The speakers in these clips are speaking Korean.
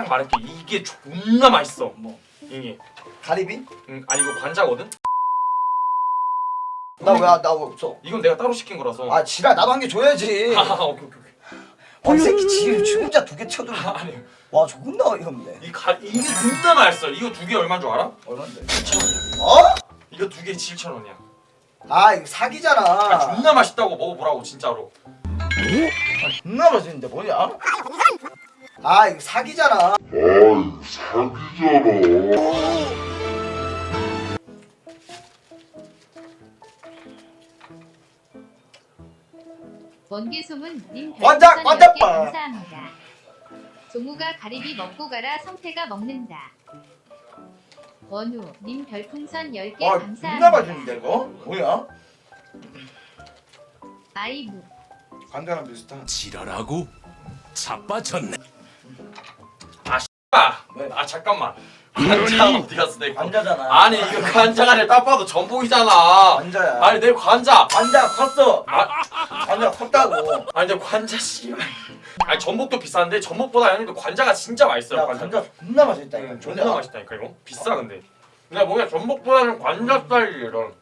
말할게. 이게 존나 맛있어. 뭐? 이게. 가리비? 아니 이거 관자거든? 나 왜 없어? 이건 내가 따로 시킨 거라서. 아 지랄 나도 한 개 줘야지. 오케이. 이 새끼 지금 혼자 두 개 쳐도 아니 와 존나 어이없네. 이게 존나 맛있어. 이거 두 개 얼마인 줄 알아? 얼마인데? 7,000원이야. 어? 이거 두 개 7,000원이야. 아 이거 사기잖아. 아 존나 맛있다고 먹어보라고 진짜로. 존나 맛있는데 뭐냐? 아 이거 사기잖아. 원계소문님 관작, 관작 봐. 감사합니다. 종우가 가리비 먹고 가라 성태가 먹는다. 원우님 별풍선 10개 와 감사합니다. 존나 맛있는데 이거? 뭐야? 아이브 간장랑 비슷한. 지랄하고 자빠졌네. 아 잠깐만. 관자 어디 갔어 내 거? 관자잖아. 아니 이거 관자가 아니라 딱 봐도 전복이잖아. 관자야. 아니 내 관자. 관자 컸어. 아, 관자 컸다고. 아니 근데 관자 씨발. 아니 전복도 비싼데 전복보다 아니도 관자가 진짜 맛있어요. 야 관자 존나 맛있다 이거. 존나 맛있다니까 이거. 비싸 근데. 근데 뭔가 전복보다는 관자 스타일이 이런.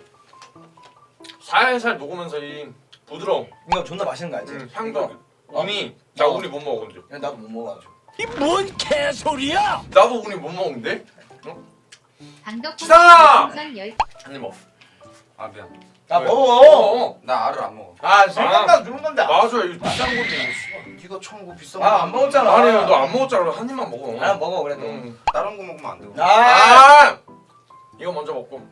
살살 녹으면서 이 부드러움. 이거 존나 맛있는 거 알지? 향도. 어? 우니 나 우니 못 먹어 근데. 야, 나도 못 먹어가지고. 이 뭔 개소리야? 나도 우니 못 먹는데. 강덕훈 지상아! 별풍선 10개 한입 먹어. 아 미안. 나 왜? 먹어. 나 알을 안 먹어. 아 생각나 주는 건데. 맞아 이거 비싼 건데 이거 씨발. 이거 청구 비싼 아안 먹었잖아. 아니 너 안 먹었잖아. 한 입만 먹어. 아 먹어 그래도. 다른 거 먹으면 안 되고. 아! 이거 먼저 먹고.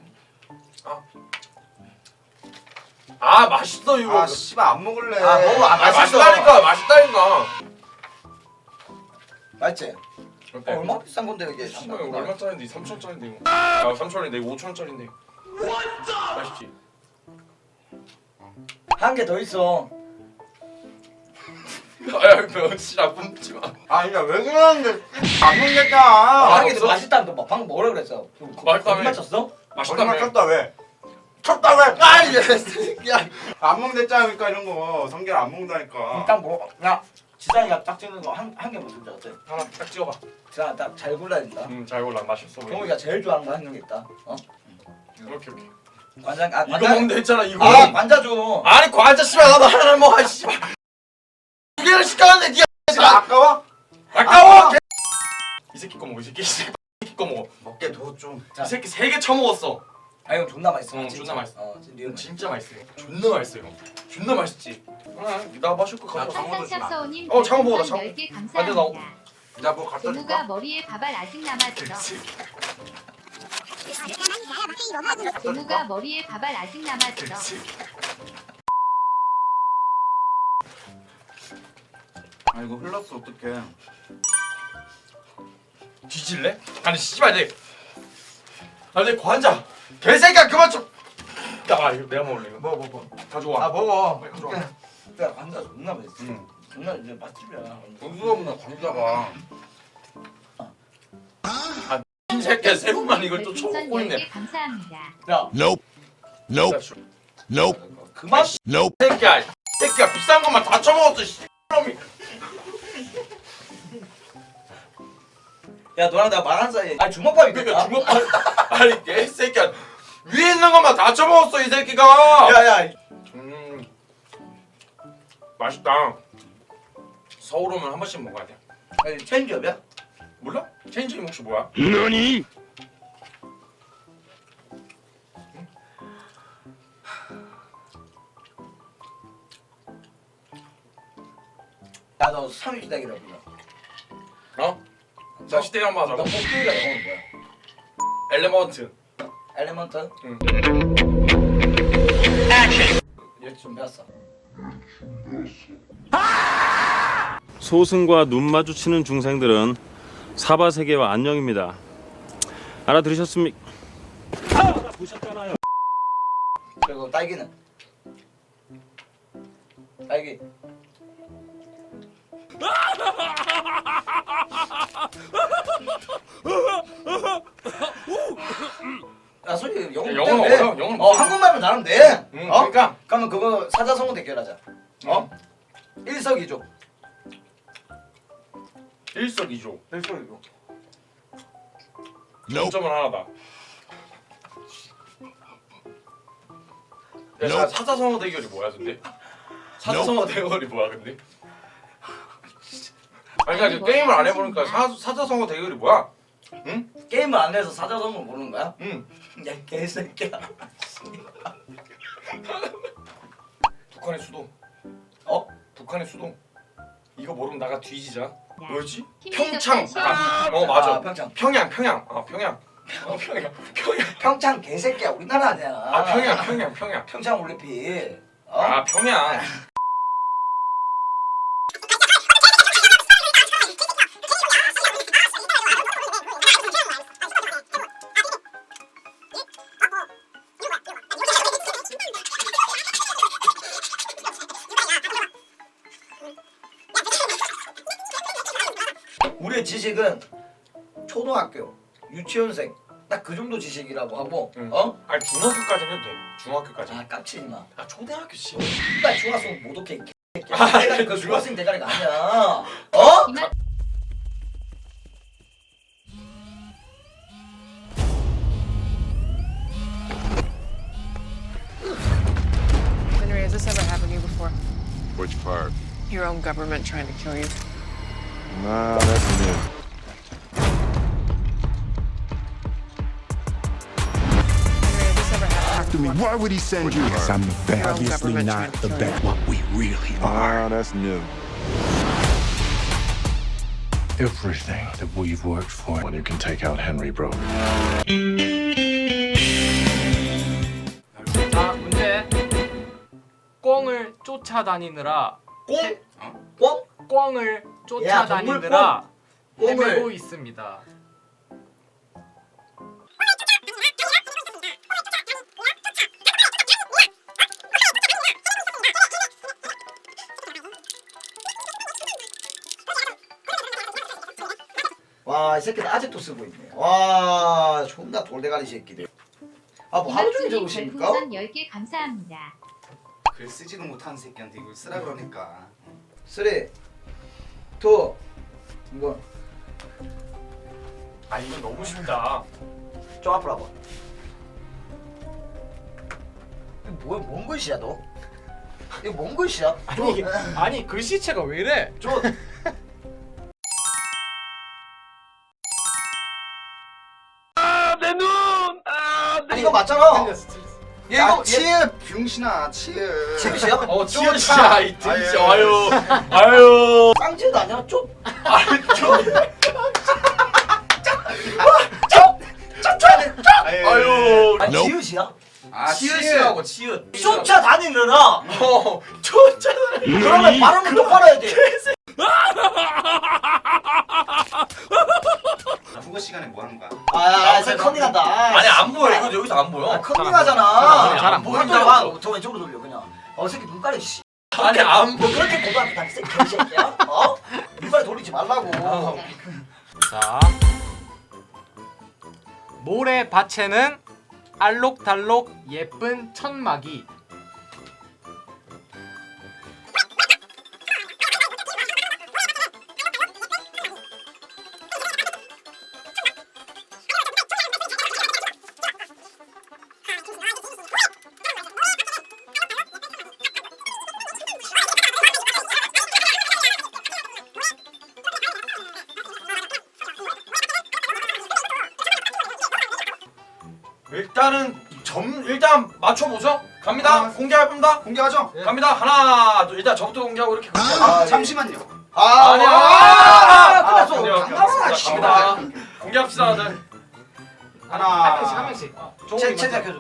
아 맛있어 이거. 아 씨발 안 먹을래. 아 먹어. 아 맛있어. 맛있다니까 맛있다니까. 맛있지? 어때? 얼마 비싼 건데 이게. 씨발 이거 얼마짜린데? 3,000원짜린데 이거. 야 3,000원인데 이거 5,000원짜린데. 맛있지? 한 개 더 있어. 아야 병신아 뿜지 마. 아 그러니까 왜 그러는데 안 먹겠다. 한 개 더 없어? 맛있다는 거 방금 뭐라 그랬어? 맛있다며. 맞췄어? 맛있다며. 거짓말 쳤다 왜? 쳤다 왜? 아이 새끼야. 안 먹는다니까 이런 거. 성게를 안 먹는다니까. 일단 뭐 야. 지상이가 딱 찍는 거 한 개만 주자 어때? 하나 딱 찍어봐. 지상아 딱 잘 골라야 된다. 잘 골라 맛있어. 경욱이가 제일 좋아하는 거 한 개 있다. 어? 오케이. 관장 아 이거 관장. 먹는다 했잖아 이거. 아 관자 줘. 아니 과자 씨발 나도 하나를 먹어 씨발. 두 개를 시켰는데 니가 아, 아까워? 아까워. 이 새끼 거 먹어 이 새끼 거 먹어. 먹게 둬 좀. 이 새끼 3개 처먹었어. 아 이거 존나 맛있어. 응, 진짜. 존나 맛있어. 리얼 진짜 맛있어요. 존나 맛있어요. 존나 맛있지. 나 마실 거 가져. 황산샵서우님 장어 먹어, 나 장어. 10개 아, 근데 감사합니다. 나 뭐 갖다 종우가 줄까? 머리에 밥알 아직 남았어. 갖다 종우가 줄까? 머리에 밥알 아직 남았어. 아 이거 흘렀어 어떡해. 뒤질래? 아니 씨발 내 관자. 개새끼야 그만 좀. 야 이거 내가 먹을래 이거. 뭐. 가져와. 아 먹어. 빨리 가져와. 야 관자 존나 맛있어. 응. 존나 이제 맛집이야. 돈수가 없나 관자가. 이 새끼야 새우만 이걸 또 별풍선 쳐먹고 있네. 10개 감사합니다. 야 Nope. Nope. Nope. 그만. Nope. 새끼야 비싼 것만 다 쳐먹었어 씨놈이. 야 너랑 내가 말한 사이에. 아 주먹밥이 그러니까 됐다. 주먹 아니 개새끼야 위에 있는 것만 다 쳐먹었어 이 새끼가. 야야. 맛있다. 서울 오면 한 번씩 먹어야 돼. 아니 체인지업이야? 몰라? 체인지임 혹시 뭐야? 너니? 야너 3일 기다리라 보자. 어? 자 시대 한번 너 하자고. 복귀가 영어는 뭐야? 엘레먼트. 엘레먼트? 응. 얘 준비했어. 소승과 눈 마주치는 중생들은 사바세계와 안녕입니다. 알아들으셨습니까? 보셨잖아요. 그리고 딸기는? 딸기. 야 솔직히 영어 영어는 못해. 어려워, 영어는 어 못해. 한국말만 잘하면 돼. 응, 어? 그러니까. 그러면 그거 사자성어 대결하자. 어? 일석이조. 일석이조. 일소리고. Nope. 점은 하나다. 야, 자, 사자성어 대결이 뭐야 근데? 사자성어 대결이 뭐야 근데? 아니 그러니까 게임을 안 해보니까 사자성어 대결이 뭐야? 응? 게임을 안 해서 사자성어 모르는 거야? 응. 야 개새끼야. 북한의 수도. 어? 북한의 수도. 이거 모르면 나가 뒤지자. 뭐였지? 힘이 평창. 좋다, 어 맞아. 아, 평창. 평양. 평양. 평창 개새끼야 우리나라 아니야. 아 평양. 평창 올림픽. 어? 아 평양. 우리의 지식은 초등학교, 유치원생 딱 그 정도 지식이라고 하고 응. 어? 아니 중학교까지는 해도 돼. 중학교까지. 아 깝치지 마. 아 초등학교 씨. 나 중학생 못 오게 대가리 그 중학생 대가리가 아니야. 어? 이만 Henry, has this ever happened to you before? Which part? Your own government trying to kill you? Nah, that's new. Henry, has this ever happened to me. before? Why would he send you? Because I'm Your own obviously government not trying to the kill best. you. What we really are. Ah, that's new. Everything that we've worked for. When you can take out Henry, bro. 자, 문제. 꿩을 쫓아다니느라 꽁? 꽁? 꿩을 쫓아다니느라 꽁을. 헤매고 있습니다. 와, 이 새끼들 아직도 쓰고 있네. 와, 존나 돌대가리 새끼들. 아, 뭐 하루 종일 이만수님 적으십니까? 별풍선 10개 감사합니다. 글 쓰지도 못하는 새끼한테 이걸 쓰라 그러니까. 3, 2, 이거 아 이거 너무 쉽다. 좀 앞으로 와봐. 이거 뭔 글씨야 너? 이거 뭔 글씨야? 아니 글씨체가 왜 이래? 저 이거 맞잖아. 얘 야 이거 치읓 병신아 치읓. 치읓이야? 어 찌우씨야 이 찌우씨. 아유. 깡지도 아니야? 좀 아유. 아니 Nope. 지읒이야? 아 치읓이라고 치읓. 쫓아다니느라 어 쫓아. 그러면 발음을 똑바로 해야 돼. 국어 시간에 뭐 하는 거야? 아, 쟤 컨닝한다. 아니 안 보여. 이거 여기서 안 보여. 컨닝하잖아. 잘안 보인다. 저 왼쪽으로 돌려 그냥. 새끼 눈깔이 씨. 아니 안 너 보여. 그렇게 고등학교 다닐 새끼 개새끼야? 어? 눈깔 돌리지 말라고. 자, 모래밭에는 알록달록 예쁜 천막이. 일단 맞춰보죠. 갑니다. 공개합니다. 공개하죠? 갑니다. 하나, 둘. 일단 저부터 공개하고 이렇게. 잠시만요. 아니야. 끝났어. 아니요. 잠깐만, 씨. 갑니다. 공개합시다, 다들. 한 명씩. 제 켜줘.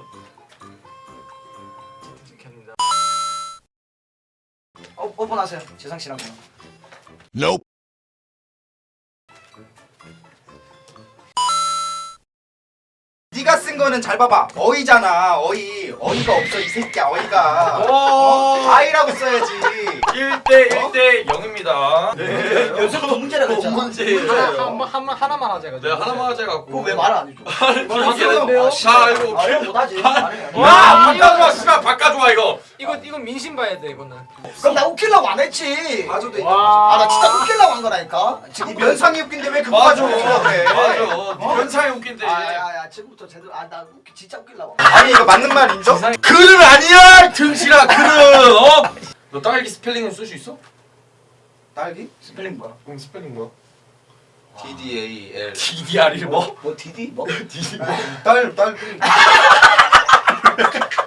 오픈하세요. 재상 씨랑 그냥. Nope. 네가 쓴 거는 잘 봐봐. 어이잖아. 어이가 없어 이 새끼야. 어이가. 오. 아이라고 써야지. 1대 0입니다. 네. 연습부터 문제라고 했잖아. 하나만 하자. 네, 하나만 하자 갖고. 그거 왜 말 안 해줘? 자, 이거. 아, 형 못하지. 와, 바꿔 좋아. 씨발 바꿔 좋아 이거. 이거 민심 봐야 돼 이거는. 그럼 나 웃기려고 안 했지. 봐줘도 와. 아 나 진짜 웃기려고 한 거라니까. 이 면상이 웃긴데 왜 그거 맞아. 봐줘? 그래. 맞아. 면상이 웃긴데. 아야야 지금부터 제대로 나 진짜 웃기려고. 아니 이거 맞는 말 인정? 글은 아니야 등신아 글은 어? 너 딸기 스펠링은 쓸 수 있어? 딸기? 스펠링 뭐야? 응 스펠링 뭐야? TDAL. DDR이 뭐? 뭐 디디 뭐? DD 딸